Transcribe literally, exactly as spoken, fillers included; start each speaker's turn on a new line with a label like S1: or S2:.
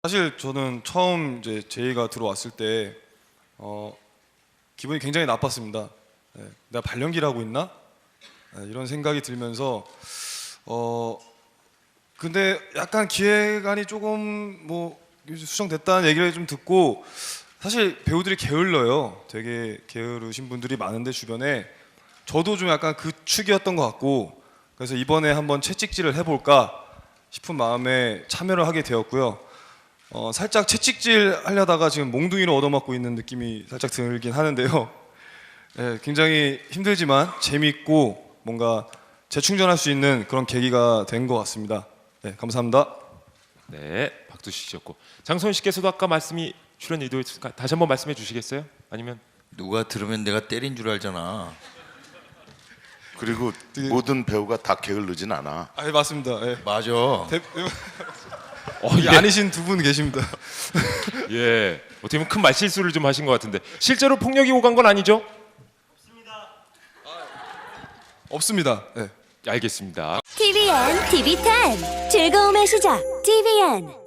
S1: 사실 저는 처음 이제 제이가 들어왔을 때 어, 기분이 굉장히 나빴습니다. 네, 내가 발연기를 하고 있나? 네, 이런 생각이 들면서 어 근데 약간 기획안이 조금 뭐 수정됐다는 얘기를 좀 듣고 사실 배우들이 게을러요. 되게 게으르신 분들이 많은데 주변에 저도 좀 약간 그 축이었던 것 같고 그래서 이번에 한번 채찍질을 해볼까 싶은 마음에 참여를 하게 되었고요. 어, 살짝 채찍질 하려다가 지금 몽둥이로 얻어맞고 있는 느낌이 살짝 들긴 하는데요. 네, 굉장히 힘들지만 재밌고 뭔가 재충전할 수 있는 그런 계기가 된 것 같습니다. 네, 감사합니다.
S2: 네, 박두식 씨였고 장소연 씨께서도 아까 말씀이 출연 의도였으니까 다시 한번 말씀해 주시겠어요? 아니면
S3: 누가 들으면 내가 때린 줄 알잖아.
S4: 그리고
S1: 되게-
S4: 모든 배우가 다 게을르진 않아.
S1: 아, 네, 맞습니다. 네.
S3: 맞아.
S1: 대,
S2: 어,
S1: 이
S2: 예.
S1: 아니신 두 분 계십니다.
S2: 예, 어떻게 보면 큰 말실수를 좀 하신 것 같은데 실제로 폭력이 오간 건 아니죠?
S1: 없습니다. 네.
S2: 알겠습니다.
S5: 티비엔 티비 텐 즐거움의 시작 티비엔